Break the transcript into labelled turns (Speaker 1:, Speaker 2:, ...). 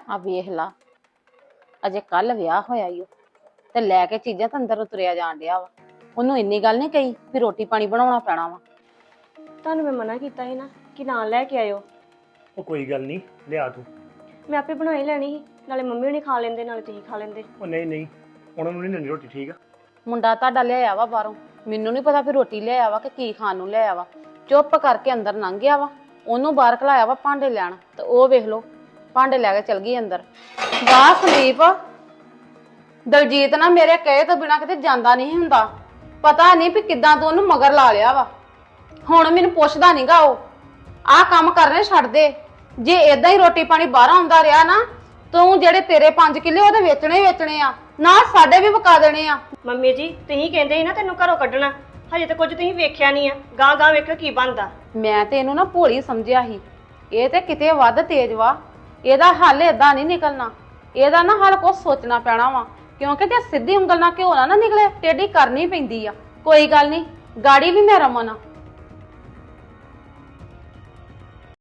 Speaker 1: ਆ ਵੇਖ ਲਾ, ਅਜੇ ਕੱਲ ਵਿਆਹ ਹੋਇਆ ਈ ਓ ਤੇ ਲੈ ਕੇ ਚੀਜ਼ਾਂ ਤਾਂ ਅੰਦਰ ਤੁਰਿਆ ਜਾਣ ਡਿਆ ਵਾ। ਉਹਨੂੰ ਇੰਨੀ ਗੱਲ ਨਹੀਂ ਕਹੀ ਵੀ ਰੋਟੀ ਪਾਣੀ ਬਣਾਉਣਾ ਪੈਣਾ ਵਾ।
Speaker 2: ਤੁਹਾਨੂੰ ਮੈਂ ਮਨਾ ਕੀਤਾ ਸੀ ਨਾ ਕਿ ਨਾਲ ਲੈ ਕੇ ਆਇਓ।
Speaker 3: ਉਹ ਕੋਈ ਗੱਲ ਨਹੀਂ, ਲਿਆ ਤੂੰ।
Speaker 2: ਮੈਂ ਆਪੇ ਬਣਾ ਹੀ ਲੈਣੀ ਸੀ, ਨਾਲੇ ਮੰਮੀ ਹੁਣੀ ਖਾ ਲੈਂਦੇ ਨਾਲੇ ਤੁਸੀਂ ਖਾ ਲੈਂਦੇ।
Speaker 3: ਉਹ ਨਹੀਂ ਨਹੀਂ, ਉਹਨਾਂ ਨੂੰ ਨਹੀਂ ਲੈਣੀ ਰੋਟੀ, ਠੀਕ ਆ।
Speaker 1: ਮੁੰਡਾ ਤੁਹਾਡਾ ਲਿਆਇਆ ਵਾ ਬਾਹਰੋਂ, ਮੈਨੂੰ ਨਹੀਂ ਪਤਾ ਵੀ ਰੋਟੀ ਲਿਆਇਆ ਵਾ ਕਿ ਕੀ ਖਾਣ ਨੂੰ ਲਿਆਇਆ ਵਾ। ਚੁੱਪ ਕਰਕੇ ਅੰਦਰ ਲੰਘ ਗਿਆ ਵਾ। ਉਹਨੂੰ ਬਾਹਰ ਘਲਾਇਆ ਵਾ ਭਾਂਡੇ ਲੈਣ, ਤੇ ਉਹ ਵੇਖ ਲਓ ਭਾਂਡੇ ਲੈ ਕੇ ਚਲ ਗਈ ਅੰਦਰ। ਵਾਹ ਸੰਦੀਪ, ਦਲਜੀਤ ਨਾ ਮੇਰੇ ਕਹੇ ਤੋਂ ਬਿਨਾ ਕਿਤੇ ਜਾਂਦਾ ਨਹੀਂ ਹੁੰਦਾ। ਪਤਾ ਨਹੀਂ ਵੀ ਕਿੱਦਾਂ ਤੂੰ ਉਹਨੂੰ ਮਗਰ ਲਾ ਲਿਆ ਵਾ। ਹੁਣ ਮੈਨੂੰ ਪੁੱਛਦਾ ਨਹੀਂਗਾ ਉਹ। ਆਹ ਕੰਮ ਕਰਨੇ ਛੱਡ ਦੇ। ਜੇ ਏਦਾਂ ਹੀ ਰੋਟੀ ਪਾਣੀ ਬਾਹਰ ਆਉਂਦਾ ਰਿਹਾ ਨਾ, ਤੂੰ ਜਿਹੜੇ ਤੇਰੇ 5 ਕਿੱਲੇ ਉਹਦੇ ਵੇਚਣੇ ਹੀ ਵੇਚਣੇ ਆ, ਨਾਲ ਸਾਡੇ ਵੀ ਵਕਾ ਦੇਣੇ ਆ।
Speaker 2: ਮੰਮੀ ਜੀ ਤੁਸੀਂ ਕਹਿੰਦੇ ਸੀ ਨਾ ਤੈਨੂੰ ਘਰੋਂ ਕੱਢਣਾ, ਹਜੇ ਤਾਂ ਕੁਝ ਤੁਸੀਂ ਵੇਖਿਆ ਨਹੀਂ ਆ। ਗਾਂ ਗਾਂ ਵੇਖੋ ਕੀ ਬਣਦਾ।
Speaker 1: ਮੈਂ ਤੇ ਇਹਨੂੰ ਨਾ ਭੋਲੀ ਸਮਝਿਆ ਸੀ, ਇਹ ਤੇ ਕਿਤੇ ਵੱਧ ਤੇਜ਼ ਵਾ। ਇਹਦਾ ਹੱਲ ਏਦਾਂ ਨਹੀਂ ਨਿਕਲਣਾ। ਇਹਦਾ ਨਾ ਹੱਲ ਕੁਛ ਸੋਚਣਾ ਪੈਣਾ ਵਾ, ਕਿਉਂਕਿ ਜੇ ਸਿੱਧੀ ਉਂਗਲ ਨਾਲ ਘਿਓ ਨਾ ਨਿਕਲੇ, ਟੇਢੀ ਕਰਨੀ ਪੈਂਦੀ ਆ। ਕੋਈ ਗੱਲ ਨਹੀਂ, ਗਾੜੀ ਵੀ ਮੈਂ ਰਮਨ ਆ,